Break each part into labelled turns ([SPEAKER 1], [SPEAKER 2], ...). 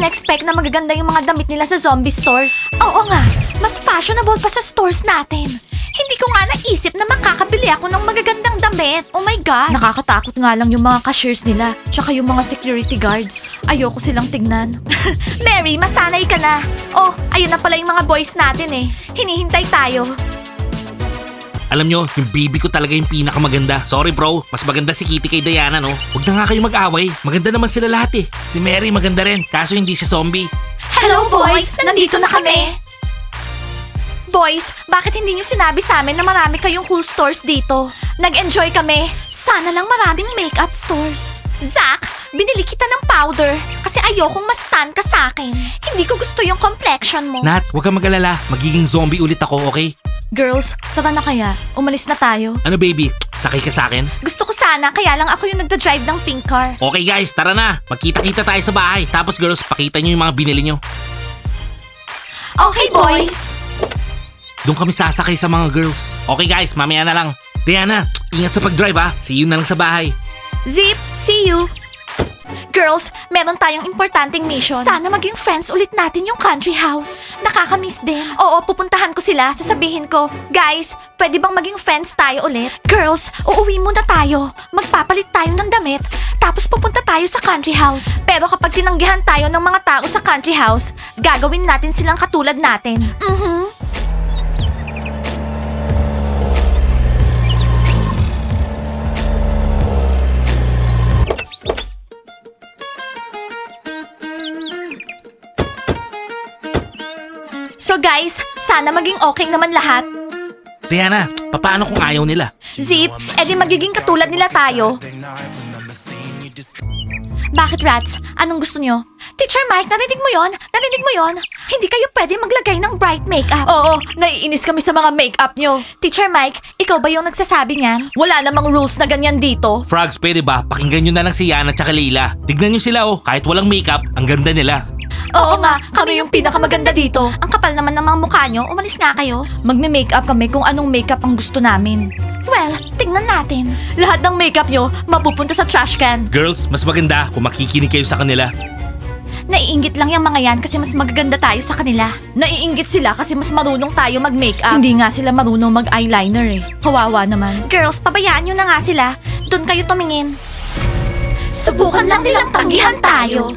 [SPEAKER 1] na-expect na magaganda yung mga damit nila sa zombie stores. Oo nga, mas fashionable pa sa stores natin. Hindi ko nga naisip na makakabili ako ng magagandang damit. Oh my God! Nakakatakot nga lang yung mga cashiers nila, tsaka yung mga security guards. Ayoko silang tignan. Mary, masanay ka na. Oh, ayun na pala yung mga boys natin eh. Hinihintay tayo.
[SPEAKER 2] Alam nyo, yung baby ko talaga yung pinakamaganda. Sorry bro, mas maganda si Kitty kay Diana no? Huwag na nga kayo mag-away. Maganda naman sila lahat eh. Si Mary maganda rin, kaso hindi siya zombie.
[SPEAKER 1] Hello boys! Nandito na kami! Boys, bakit hindi nyo sinabi sa amin na marami kayong cool stores dito? Nag-enjoy kami. Sana lang maraming makeup stores. Zach, binili kita ng powder kasi ayokong mas-tan ka sa akin. Hindi ko gusto yung complexion mo.
[SPEAKER 2] Nat, huwag kang mag-alala. Magiging zombie ulit ako, okay?
[SPEAKER 1] Girls, tara na kaya. Umalis na tayo.
[SPEAKER 2] Ano baby, sakay ka sa akin?
[SPEAKER 1] Gusto ko sana, kaya lang ako yung nagda-drive ng pink car.
[SPEAKER 2] Okay guys, tara na. Magkita-kita tayo sa bahay. Tapos girls, pakita nyo yung mga binili nyo.
[SPEAKER 1] Okay, boys!
[SPEAKER 2] Doon kami sasakay sa mga girls. Okay guys, mamaya na lang. Diana, ingat sa pag-drive ha. See you na lang sa bahay.
[SPEAKER 1] Zip, see you! Girls, meron tayong importanteng mission. Sana maging friends ulit natin yung country house. Nakakamiss din. Oo, pupuntahan ko sila. Sasabihin ko, guys, pwede bang maging friends tayo ulit? Girls, uuwi muna tayo. Magpapalit tayo ng damit. Tapos pupunta tayo sa country house. Pero kapag tinanggihan tayo ng mga tao sa country house, gagawin natin silang katulad natin. So guys, sana maging okay naman lahat.
[SPEAKER 2] Diana, paano kung ayaw nila?
[SPEAKER 1] Zip, edi magiging katulad nila tayo. Bakit rats? Anong gusto nyo? Teacher Mike, narinig mo yon? Narinig mo yon? Hindi kayo pwede maglagay ng bright makeup. Oo, naiinis kami sa mga makeup nyo. Teacher Mike, ikaw ba yung nagsasabi niyan? Wala namang rules na ganyan dito.
[SPEAKER 2] Frogs, pwede ba? Pakinggan nyo na lang si Yana at Leila. Tignan nyo sila oh, kahit walang makeup, ang ganda nila.
[SPEAKER 1] Oo nga, kami yung pinakamaganda dito. Ang kapal naman ng mga mukha nyo, umalis nga kayo. Magme-makeup kami kung anong makeup ang gusto namin. Well, tingnan natin. Lahat ng makeup nyo mapupunta sa trash can.
[SPEAKER 2] Girls, mas maganda kung makikinig kayo sa kanila.
[SPEAKER 1] Naiinggit lang yung mga yan kasi mas magaganda tayo sa kanila. Naiinggit sila kasi mas marunong tayo mag-makeup. Hindi nga sila marunong mag-eyeliner eh. Kawawa naman. Girls, pabayaan nyo na nga sila. Doon kayo tumingin. Subukan lang nilang tanggihan tayo.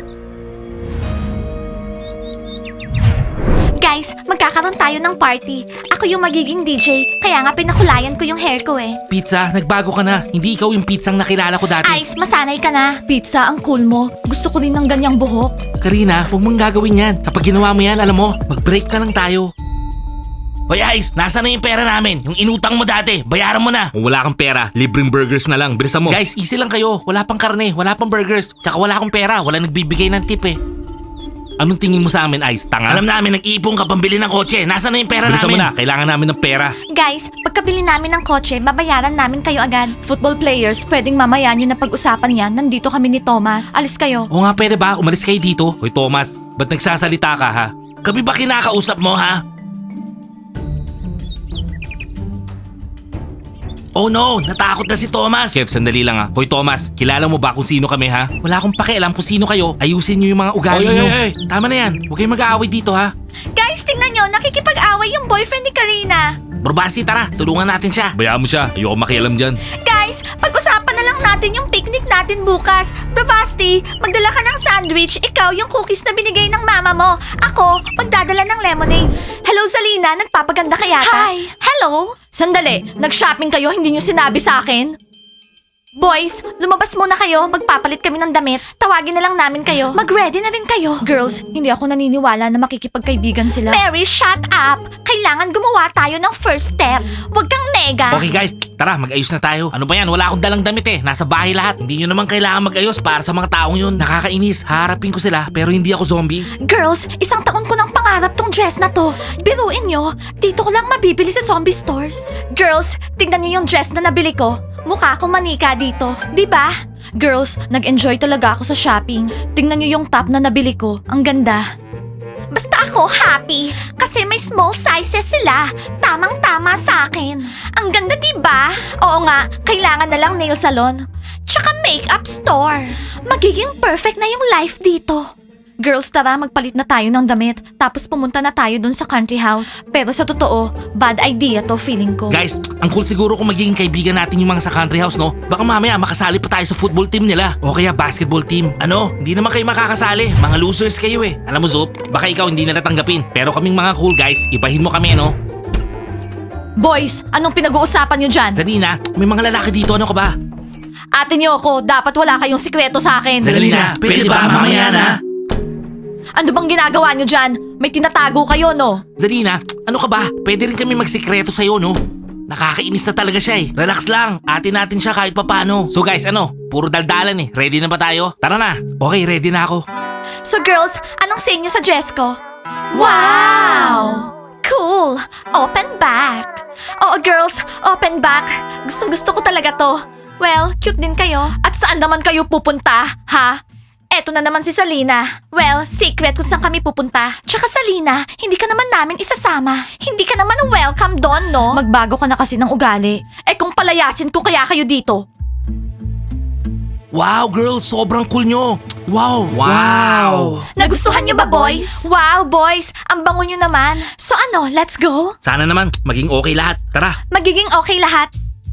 [SPEAKER 1] Guys, magkakaroon tayo ng party. Ako yung magiging DJ, kaya nga pinakulayan ko yung hair ko eh.
[SPEAKER 2] Pizza, nagbago ka na. Hindi ikaw yung pizzang nakilala ko dati.
[SPEAKER 1] Ice, masanay ka na. Pizza, ang cool mo. Gusto ko din ng ganyang buhok.
[SPEAKER 2] Karina, huwag mong gagawin yan. Kapag ginawa mo yan, alam mo, mag-break na lang tayo. Hoy Ice, nasa na yung pera namin? Yung inutang mo dati, bayaran mo na. Kung wala kang pera, libreng burgers na lang. Bilisan mo. Guys, easy lang kayo. Wala pang karne, wala pang burgers. Tsaka wala akong pera, wala nagbibigay ng tip eh. Anong tingin mo sa amin, Ice? Tanga? Alam namin, nag-iipon ka pambili ng kotse. Nasaan na yung pera namin? Bilisan mo na, kailangan namin ng pera.
[SPEAKER 1] Guys, pagkabili namin ng kotse, babayaran namin kayo agad. Football players, pwedeng mamaya nyo na pag-usapan yan. Nandito kami ni Thomas. Alis kayo.
[SPEAKER 2] Oo nga, pwede ba? Umalis kayo dito. Hoy Thomas, ba't nagsasalita ka ha? Kami ba kinakausap mo ha? Oh no, natakot na si Thomas. Kev, sandali lang ha. Hoy Thomas, kilala mo ba kung sino kami ha? Wala akong pakialam kung sino kayo. Ayusin nyo yung mga ugali nyo. Tama na yan. Huwag kayong mag-aaway dito ha.
[SPEAKER 1] Guys, tingnan nyo, nakikipag-away yung boyfriend ni Karina.
[SPEAKER 2] Barbasi, tara, tulungan natin siya. Bayaan mo siya, ayoko makialam dyan.
[SPEAKER 1] Guys, pag-usapan na lang natin yung picnic natin bukas. Bravasti, magdala ka ng sandwich. Ikaw yung cookies na binigay ng mama mo. Ako, magdadala ng lemonade. Hello, Zalina. Nagpapaganda ka yata? Hi. Hello? Sandali, nag-shopping kayo, hindi nyo sinabi sa akin? Boys, lumabas muna kayo. Magpapalit kami ng damit. Tawagin na lang namin kayo. Mag-ready na rin kayo. Girls, hindi ako naniniwala na makikipagkaibigan sila. Mary, shut up! Kailangan gumawa tayo ng first step. Huwag kang nega.
[SPEAKER 2] Okay guys, tara, mag-ayos na tayo. Ano ba yan? Wala akong dalang damit eh. Nasa bahay lahat. Hindi nyo naman kailangan mag-ayos para sa mga taong yun. Nakakainis. Haharapin ko sila pero hindi ako zombie.
[SPEAKER 1] Girls, isang taon ko nang pangarap tong dress na to. Biruin nyo, dito ko lang mabibili sa zombie stores. Girls, tingnan nyo yung dress na nabili ko. Mukha akong manika dito, di ba? Girls, nag-enjoy talaga ako sa shopping. Tingnan nyo yung top na nabili ko. Ang ganda. Basta ako happy kasi may small sizes sila. Tamang-tama sa akin. Ang ganda, di ba? Oo nga, kailangan na lang nail salon. Tsaka makeup store. Magiging perfect na yung life dito. Girls, tara, magpalit na tayo ng damit. Tapos pumunta na tayo dun sa country house. Pero sa totoo, bad idea to feeling ko.
[SPEAKER 2] Guys, ang cool siguro kung magiging kaibigan natin yung mga sa country house, no? Baka mamaya makasali pa tayo sa football team nila. O kaya basketball team. Ano? Hindi naman kayo makakasali. Mga losers kayo eh. Alam mo, Zop, baka ikaw hindi nila tanggapin. Pero kaming mga cool guys, ibahin mo kami, no?
[SPEAKER 1] Boys, anong pinag-uusapan nyo dyan?
[SPEAKER 2] Zalina, may mga lalaki dito, ano ka ba?
[SPEAKER 1] Ate niyo ako, dapat wala kayong sikreto sa akin.
[SPEAKER 2] Zalina, pwede ba mamaya na?
[SPEAKER 1] Ano bang ginagawa nyo dyan? May tinatago kayo, no?
[SPEAKER 2] Zalina, ano ka ba? Pwede rin kami magsikreto sa'yo, no? Nakakainis na talaga siya eh. Relax lang, atin natin siya kahit papano. So guys, ano? Puro daldalan eh. Ready na ba tayo? Tara na. Okay, ready na ako.
[SPEAKER 1] So girls, anong say nyo sa dress ko? Wow! Cool! Open back! Oo girls, open back. Gusto ko talaga to. Well, cute din kayo. At saan naman kayo pupunta, ha? Eto na naman si Salina. Well, secret kung saan kami pupunta. Tsaka Salina, hindi ka naman namin isasama. Hindi ka naman welcome doon, no? Magbago ka na kasi ng ugali. Eh kung palayasin ko kaya kayo dito.
[SPEAKER 2] Wow, girls, sobrang cool nyo. Wow, wow.
[SPEAKER 1] Nagustuhan niyo ba, boys? Wow, boys! Ang bango niyo naman. So ano, let's go?
[SPEAKER 2] Sana naman, maging okay lahat. Tara.
[SPEAKER 1] Magiging okay lahat.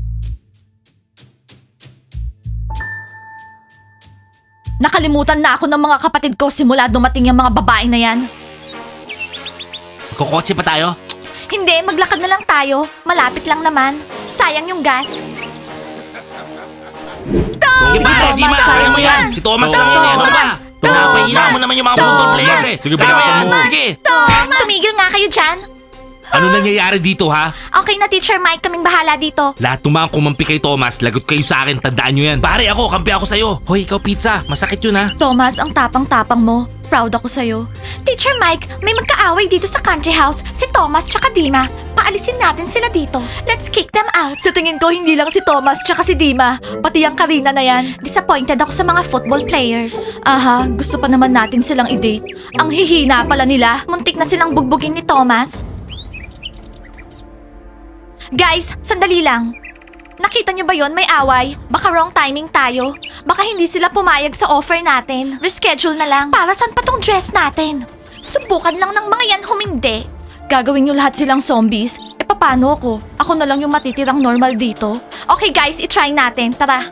[SPEAKER 1] Nakalimutan na ako ng mga kapatid ko simula dumating yung mga babae na yan.
[SPEAKER 2] Magkukotse pa tayo?
[SPEAKER 1] Hindi, maglakad na lang tayo. Malapit lang naman. Sayang yung gas.
[SPEAKER 2] Sige pa,
[SPEAKER 1] Thomas,
[SPEAKER 2] Dima, kaya mo yan. Si Thomas lang yan eh. Ano ba? Pinapahina mo naman yung mga football players eh. Sige, kaya mo. Sige.
[SPEAKER 1] Tumigil nga kayo dyan.
[SPEAKER 2] Ano nangyayari dito ha?
[SPEAKER 1] Okay na, Teacher Mike. Kaming bahala dito.
[SPEAKER 2] Lahat ng mga kumampi kay Thomas, lagot kayo sa akin, tandaan nyo yan. Pare ako, kampi ako sa'yo. Hoy, ikaw pizza, masakit yun ha.
[SPEAKER 1] Thomas, ang tapang-tapang mo. Proud ako sa'yo. Teacher Mike, may magkaaway dito sa country house. Si Thomas tsaka Dima. Paalisin natin sila dito. Let's kick them out. Sa tingin ko, hindi lang si Thomas tsaka si Dima. Pati ang Karina na yan. Disappointed ako sa mga football players. Aha, gusto pa naman natin silang i-date. Ang hihina pala nila. Muntik na silang bugbugin ni Thomas. Guys, sandali lang. Nakita niyo ba yon may away? Baka wrong timing tayo. Baka hindi sila pumayag sa offer natin. Reschedule na lang. Para saan pa tong dress natin? Subukan lang ng mga yan humindi. Gagawin niyo lahat silang zombies? E paano ako? Ako na lang yung matitirang normal dito. Okay guys, itry natin. Tara.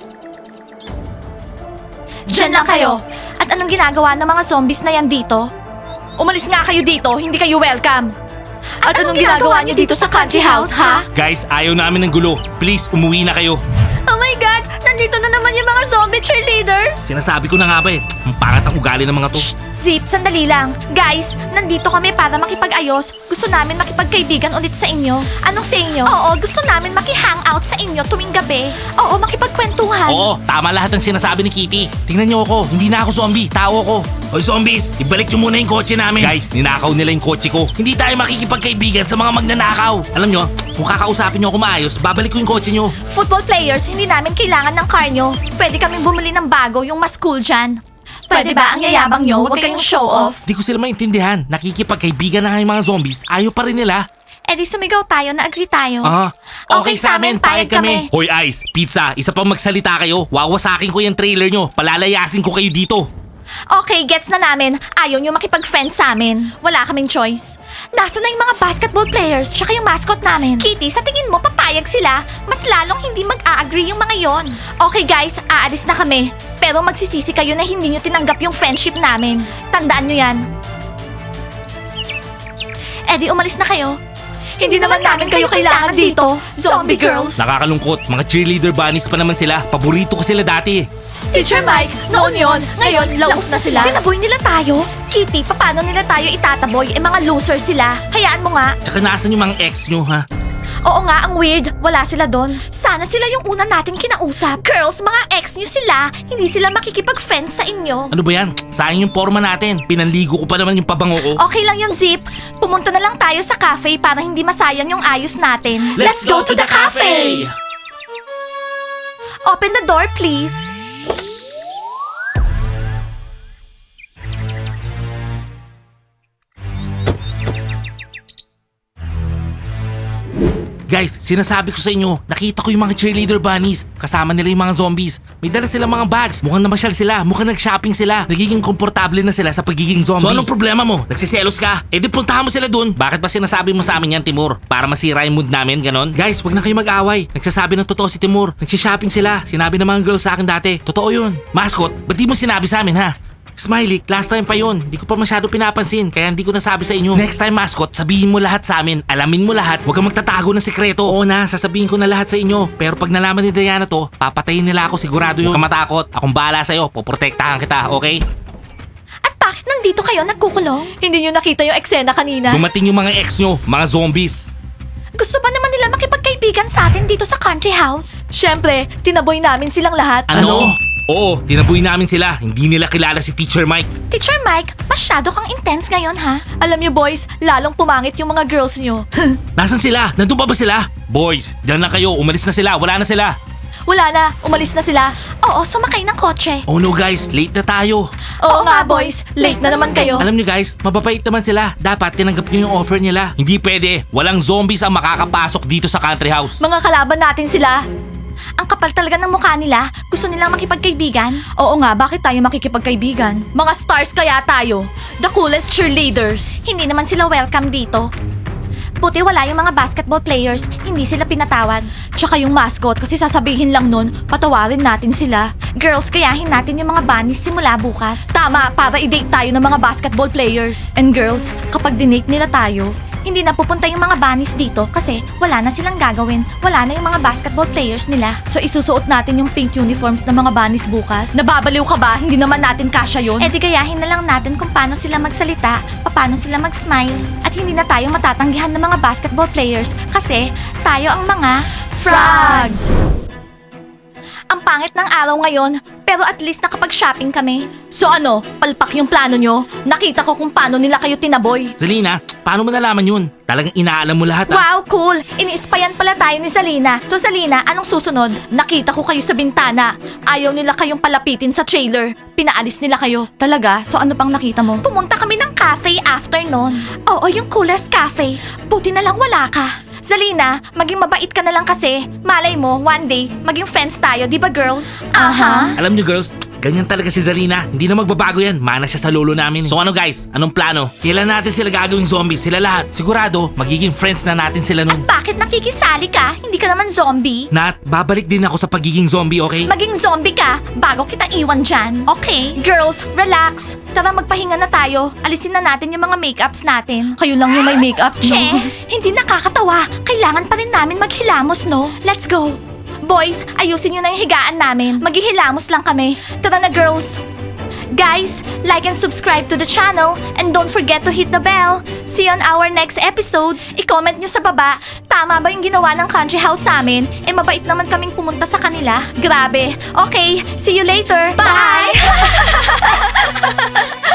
[SPEAKER 1] Diyan lang kayo. At anong ginagawa ng mga zombies na yan dito? Umalis nga kayo dito, hindi kayo welcome. At anong ginagawa niyo dito sa country house, ha?
[SPEAKER 2] Guys, ayaw namin ng gulo. Please, umuwi na kayo.
[SPEAKER 1] Oh my God! Nandito na naman yung mga zombie cheerleaders!
[SPEAKER 2] Sinasabi ko na nga ba eh, ang pangat ang ugali ng mga to.
[SPEAKER 1] Zip, sandali lang. Guys, nandito kami para makipag-ayos. Gusto namin makipagkaibigan ulit sa inyo. Anong sa inyo? Oo, gusto namin maki-hangout sa inyo tuwing gabi. Oo, makipagkwentuhan.
[SPEAKER 2] Oo, tama lahat ng sinasabi ni Kitty. Tingnan niyo ako, hindi na ako zombie, tao ako. Hoy zombies, ibalik niyo muna yung kotse namin. Guys, ninakaw nila yung kotse ko. Hindi tayo makikipagkaibigan sa mga magnanakaw. Alam niyo, kung kakausapin niyo ako maayos, babalik ko yung kotse niyo.
[SPEAKER 1] Football players, hindi namin kailangan ng car nyo. Pwede kaming bumili ng bago, yung mas cool dyan. Pwede ba ang yayabang nyo? Huwag kayong show off.
[SPEAKER 2] Di ko sila maintindihan. Nakikipagkaibigan na nga yung mga zombies. Ayaw pa rin nila.
[SPEAKER 1] Eh di sumigaw tayo, na-agree tayo.
[SPEAKER 2] Okay sa amin, payag kami. Hoy Ice, Pizza, isa pang magsalita kayo. Wawasakin ko yung trailer nyo. Palalayasin ko kayo dito.
[SPEAKER 1] Okay, gets na namin. Ayaw nyo makipag-friend sa amin. Wala kaming choice. Nasaan na yung mga basketball players tsaka yung mascot namin? Kitty, sa tingin mo papayag sila? Mas lalong hindi mag-a-agree yung mga yon. Okay guys, aalis na kami. Pero magsisisi kayo na hindi nyo tinanggap yung friendship namin. Tandaan nyo yan. Eddie, umalis na kayo. Hindi naman namin kayo kailangan dito, zombie girls.
[SPEAKER 2] Nakakalungkot, mga cheerleader bunnies pa naman sila. Paborito ko sila dati.
[SPEAKER 1] Teacher Mike, noon yon, ngayon laos na sila. Tinaboy nila tayo? Kitty, paano nila tayo itataboy? Eh mga loser sila. Hayaan mo nga.
[SPEAKER 2] Tsaka nasan yung mga ex nyo ha?
[SPEAKER 1] Oo nga, ang weird. Wala sila doon. Sana sila yung una natin kinausap. Girls, mga ex nyo sila. Hindi sila makikipag-friends sa inyo.
[SPEAKER 2] Ano ba yan? Sayang yung forma natin. Pinanligo ko pa naman yung pabango ko.
[SPEAKER 1] Okay lang yung Zip. Pumunta na lang tayo sa cafe para hindi masayang yung ayos natin.
[SPEAKER 2] Let's go to the cafe!
[SPEAKER 1] Open the door, please.
[SPEAKER 2] Guys, sinasabi ko sa inyo, nakita ko yung mga cheerleader bunnies. Kasama nila yung mga zombies. May dala silang mga bags. Mukhang namasyal sila. Mukhang nag-shopping sila. Nagiging komportable na sila sa pagiging zombie. So anong problema mo? Nagsiselos ka? Eh di puntahan mo sila dun. Bakit ba sinasabi mo sa amin yan, Timur? Para masira yung mood namin, ganon? Guys, wag na kayo mag-away. Nagsasabi ng totoo si Timur. Nagsishopping sila. Sinabi ng mga girls sa akin dati. Totoo yun. Mascot, ba't di mo sinabi sa amin, ha? Smiley, last time pa yun. Di ko pa masyado pinapansin, kaya hindi ko nasabi sa inyo. Next time, mascot, sabihin mo lahat sa amin. Alamin mo lahat. Huwag kang magtatago ng sikreto. Oo na, sasabihin ko na lahat sa inyo. Pero pag nalaman ni Diana to, papatayin nila ako, sigurado yun. Huwag kang matakot. Akong bahala sa'yo. Poprotektahan kita, okay?
[SPEAKER 1] At bakit nandito kayo nagkukulong? Hindi nyo nakita yung eksena kanina?
[SPEAKER 2] Dumating yung mga ex nyo, mga zombies.
[SPEAKER 1] Gusto ba naman nila makipagkaibigan sa atin dito sa country house? Siyempre, tinaboy namin silang lahat.
[SPEAKER 2] Ano? Oo, tinaboy namin sila. Hindi nila kilala si Teacher Mike.
[SPEAKER 1] Teacher Mike, masyado kang intense ngayon ha? Alam niyo boys, lalong pumangit yung mga girls niyo.
[SPEAKER 2] Nasaan sila? Nandun pa ba sila? Boys, dyan na kayo. Umalis na sila. Wala na sila.
[SPEAKER 1] Wala na, umalis na sila. Oo, sumakay ng kotse.
[SPEAKER 2] Oh no guys, late na tayo.
[SPEAKER 1] Oo nga boys, late na naman kayo.
[SPEAKER 2] Alam nyo guys, mababait naman sila. Dapat tinanggap nyo yung offer nila. Hindi pwede. Walang zombies ang makakapasok dito sa country house.
[SPEAKER 1] Mga kalaban natin sila. Ang kapal talaga ng mukha nila. Gusto nilang makipagkaibigan? Oo nga, bakit tayo makikipagkaibigan? Mga stars kaya tayo. The coolest cheerleaders. Hindi naman sila welcome dito. Buti wala yung mga basketball players, hindi sila pinatawad. Tsaka yung mascot kasi sasabihin lang nun, patawarin natin sila. Girls, kayahin natin yung mga bunnies simula bukas. Tama, para i-date tayo ng mga basketball players. And girls, kapag dinate nila tayo, hindi na pupunta yung mga bunnies dito kasi wala na silang gagawin. Wala na yung mga basketball players nila. So isusuot natin yung pink uniforms ng mga bunnies bukas. Nababaliw ka ba? Hindi naman natin kasya yun. Eh di gayahin na lang natin kung paano sila magsalita, paano sila mag-smile. At hindi na tayo matatanggihan ng mga basketball players kasi tayo ang mga frogs! Ang pangit ng araw ngayon, pero at least nakapag-shopping kami. So ano, palpak yung plano nyo? Nakita ko kung paano nila kayo tinaboy.
[SPEAKER 2] Zalina, paano mo nalaman yun? Talagang inaalam mo lahat
[SPEAKER 1] Wow, cool! Iniispayan pala tayo ni Zalina. So Zalina, anong susunod? Nakita ko kayo sa bintana. Ayaw nila kayong palapitin sa trailer. Pinaalis nila kayo. Talaga? So ano pang nakita mo? Pumunta kami ng cafe after nun. Oo, yung coolest cafe. Buti na lang wala ka. Zalina, maging mabait ka na lang kasi. Malay mo, one day, maging friends tayo, di ba girls? Aha.
[SPEAKER 2] Alam nyo girls, ganyan talaga si Zalina. Hindi na magbabago yan. Mana siya sa lolo namin. So ano guys, anong plano? Kailan natin sila gagawing zombies? Sila lahat. Sigurado, magiging friends na natin sila nun.
[SPEAKER 1] Bakit nakikisali ka? Hindi ka naman zombie.
[SPEAKER 2] Nat, babalik din ako sa pagiging zombie, okay?
[SPEAKER 1] Maging zombie ka bago kita iwan dyan. Okay? Girls, relax. Tara magpahinga na tayo. Alisin na natin yung mga makeups natin. Kayo lang yung may makeups, no? Che, hindi nakakatawa. Kailangan pa rin namin maghilamos, no? Let's go. Boys, ayusin nyo na yung higaan namin. Maghihilamos lang kami. Tara na, girls. Guys, like and subscribe to the channel and don't forget to hit the bell. See you on our next episodes. I-comment nyo sa baba, tama ba yung ginawa ng country house sa amin? Eh mabait naman kaming pumunta sa kanila. Grabe. Okay, see you later. Bye!